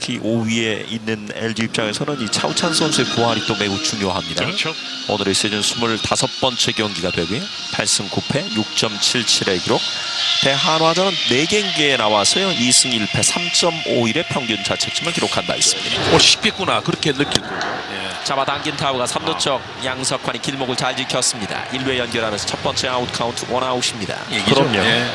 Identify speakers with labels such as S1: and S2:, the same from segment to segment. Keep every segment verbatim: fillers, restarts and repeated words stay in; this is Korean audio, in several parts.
S1: 특히 오 위에 있는 엘지 입장에서는 이 차우찬 선수의 부활이 또 매우 중요합니다.
S2: 그렇죠.
S1: 오늘의 시즌 스물다섯 번째 경기가 되고요. 팔 승 구 패 육 점 칠칠의 기록. 대한화전은 네 경기에 나와서요. 이 승 일 패 삼 점 오일의 평균 자책점을 기록한 바 있습니다.
S2: 오, 쉽겠구나. 그렇게 느낄 거고. 예.
S1: 잡아당긴 타구가 삼 루 쪽. 양석환이 길목을 잘 지켰습니다. 일 루에 연결하면서 첫 번째 아웃 카운트 원아웃입니다.
S2: 그럼요. 예.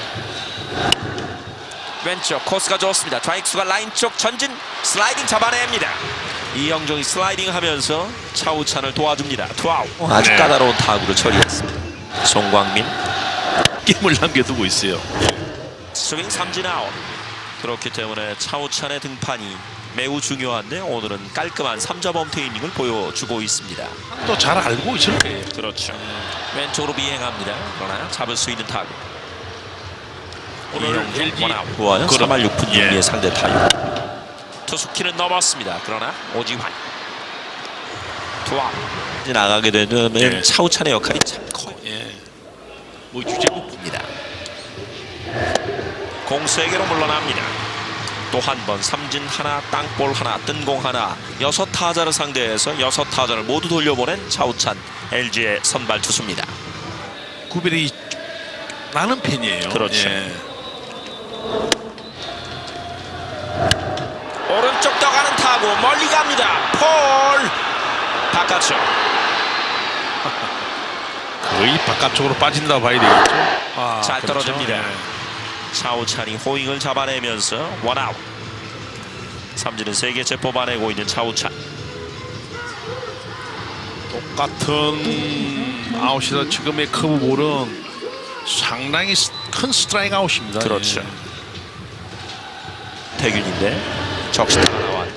S1: 왼쪽 코스가 좋습니다. 좌익수가 라인 쪽 전진 슬라이딩 잡아냅니다. 이영종이 슬라이딩 하면서 차우찬을 도와줍니다. 투아웃. 아주
S2: 네.
S1: 까다로운 타구를 처리했습니다. 송광민
S2: 게임을 남겨두고 있어요.
S1: 스윙 삼진 아웃. 그렇기 때문에 차우찬의 등판이 매우 중요한데 오늘은 깔끔한 삼 점 홈트 이닝을 보여주고 있습니다.
S2: 또 잘 알고 있을 거예요.
S1: 그렇죠. 왼쪽으로 비행합니다. 그러나 잡을 수 있는 타구.
S2: 오늘 엘지
S1: 좋아요. 삼 할 육 푼 육 리의
S2: 예.
S1: 상대 타율. 투수키는 넘었습니다. 그러나 오지환 투아웃. 나가게 되면
S2: 예.
S1: 차우찬의 역할이 참 커요.
S2: 예. 뭐 주제국
S1: 입니다. 공수에게로 물러납니다. 또 한 번 삼진 하나, 땅볼 하나, 뜬공 하나, 여섯 타자를 상대해서 여섯 타자를 모두 돌려보낸 차우찬 엘지의 선발 투수입니다.
S2: 구별이 나는 팬이에요.
S1: 그렇죠.
S2: 예.
S1: 오른쪽 떠가는 타구 멀리 갑니다. 폴 바깥쪽.
S2: 거의 바깥쪽으로 빠진다 봐야 되겠죠. 아,
S1: 잘
S2: 그렇죠.
S1: 떨어집니다.
S2: 예.
S1: 차우찬이 호잉을 잡아내면서 원아웃. 삼진은 세 개째 뽑아내고 있는 차우찬.
S2: 똑같은 아웃이다. 지금의 커브볼은 상당히 스- 큰 스트라이크 아웃입니다.
S1: 그렇죠.
S2: 예.
S1: 태균인데 적시타가 나와.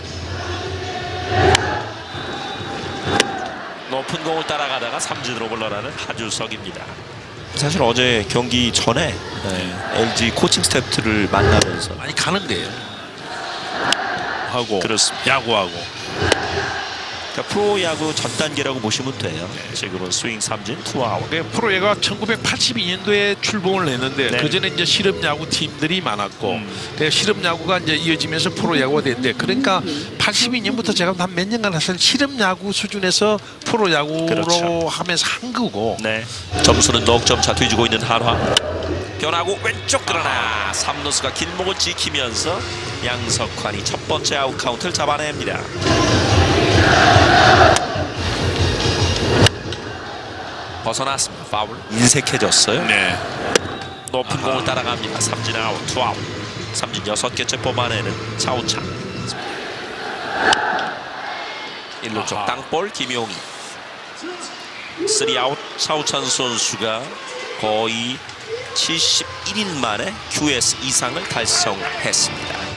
S1: 높은 공을 따라가다가 삼진으로 물러나는 하주석입니다. 사실 어제 경기 전에 네, 엘지 코칭 스태프들을 만나면서
S2: 많이 가는 데요. 하고
S1: 그렇습니다.
S2: 야구하고.
S1: 그러니까 프로야구 전 단계라고 보시면 돼요. 지금은 스윙 삼진 투아웃.
S2: 그 프로야구가 천구백팔십이 년도에 출범을 했는데
S1: 네.
S2: 그 전에 이제 실업야구 팀들이 많았고,
S1: 음.
S2: 그 실업야구가 이제 이어지면서 프로야구가 됐는데, 그러니까 팔십이 년부터 제가 한 몇 년간 사실 실업야구 수준에서 프로야구로
S1: 그렇죠.
S2: 하면서 한 거고.
S1: 네. 점수는 넉 점 차 뒤지고 있는 한화. 변하고 왼쪽 그러나 삼루수가 길목을 지키면서 양석환이 첫 번째 아웃 카운트를 잡아냅니다. 벗어났습니다. 파울. 인색해졌어요.
S2: 네.
S1: 높은
S2: 아하.
S1: 공을 따라갑니다. 삼진 아웃, 투아웃. 삼진 여섯 개째 뽑아내는 차우찬. 일 루 쪽
S2: 아하.
S1: 땅볼 김용희. 쓰리 아웃. 차우찬 선수가 거의 칠십일 인 만에 큐에스 이상을 달성했습니다.